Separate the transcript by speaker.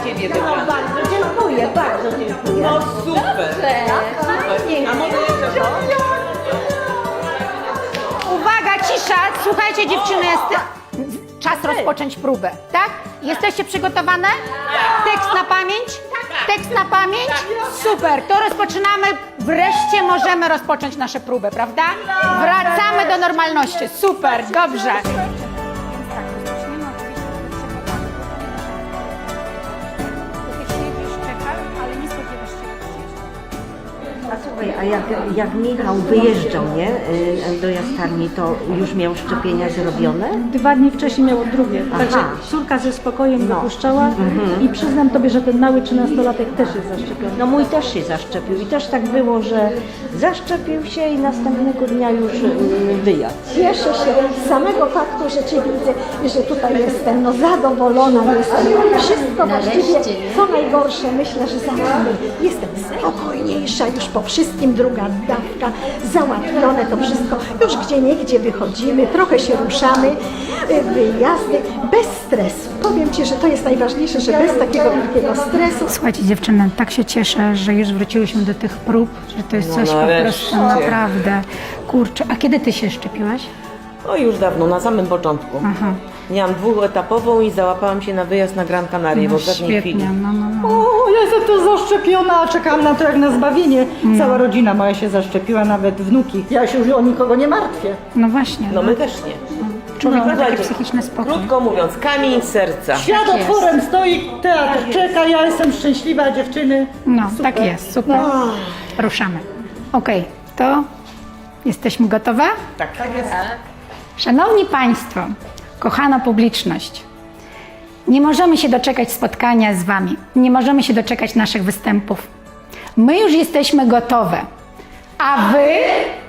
Speaker 1: Ciebie
Speaker 2: No
Speaker 1: wybrać.
Speaker 2: bardzo dziękuję, bardzo dziękuję.
Speaker 1: No super. A może jeszcze to?
Speaker 3: Uwaga, cisza! Słuchajcie dziewczyny, czas rozpocząć próbę, tak? Jesteście przygotowane? Tekst na pamięć? Tekst na pamięć? Super, to rozpoczynamy. Wreszcie możemy rozpocząć nasze próbę, prawda? Wracamy do normalności. Super, dobrze.
Speaker 2: A słuchaj, a jak Michał wyjeżdżał, nie, do Jastarni, to już miał szczepienia zrobione?
Speaker 4: 2 dni wcześniej miało drugie.
Speaker 2: Aha.
Speaker 4: Także córka ze spokojem
Speaker 2: No.
Speaker 4: dopuszczała i przyznam Tobie, że ten mały 13-latek też jest zaszczepiony.
Speaker 2: No mój też się zaszczepił i też tak było, że zaszczepił się i następnego dnia już wyjadł.
Speaker 5: Cieszę się z samego faktu, że Cię widzę i że tutaj jestem, no zadowolona jestem. Wszystko właściwie, co najgorsze, myślę, że za nami. Jestem spokojniejsza już po wszystkim, druga dawka, załatwione to wszystko. Już gdzieniegdzie wychodzimy, trochę się ruszamy, wyjazdy, bez stresu. Powiem Ci, że to jest najważniejsze, że bez takiego wielkiego stresu.
Speaker 3: Słuchajcie dziewczyny, tak się cieszę, że już wróciłyśmy do tych prób, że to jest coś po
Speaker 1: nareszcie.
Speaker 3: prostu naprawdę. Kurczę, a kiedy ty się szczepiłaś?
Speaker 1: O już dawno, na samym początku.
Speaker 3: Aha.
Speaker 1: Miałam 2-etapową i załapałam się na wyjazd na Gran Canaria w
Speaker 3: No
Speaker 1: ostatniej chwili.
Speaker 3: świetnie, no.
Speaker 4: O, ja jestem tu zaszczepiona, czekam na to jak na zbawienie. Cała rodzina moja się zaszczepiła, nawet wnuki. Ja się już o nikogo nie martwię.
Speaker 3: No właśnie.
Speaker 1: No my też nie.
Speaker 3: Człowiek ma taki
Speaker 1: Słuchajcie,
Speaker 3: psychiczny spokój.
Speaker 1: Krótko mówiąc, kamień z serca.
Speaker 4: Świat
Speaker 3: Tak jest.
Speaker 4: otworem stoi, teatr czeka, ja jestem szczęśliwa, dziewczyny.
Speaker 3: No, tak jest, super. Ruszamy. Okej, to jesteśmy gotowe?
Speaker 1: Tak.
Speaker 3: Szanowni Państwo, kochana publiczność, nie możemy się doczekać spotkania z Wami, nie możemy się doczekać naszych występów. My już jesteśmy gotowe, a Wy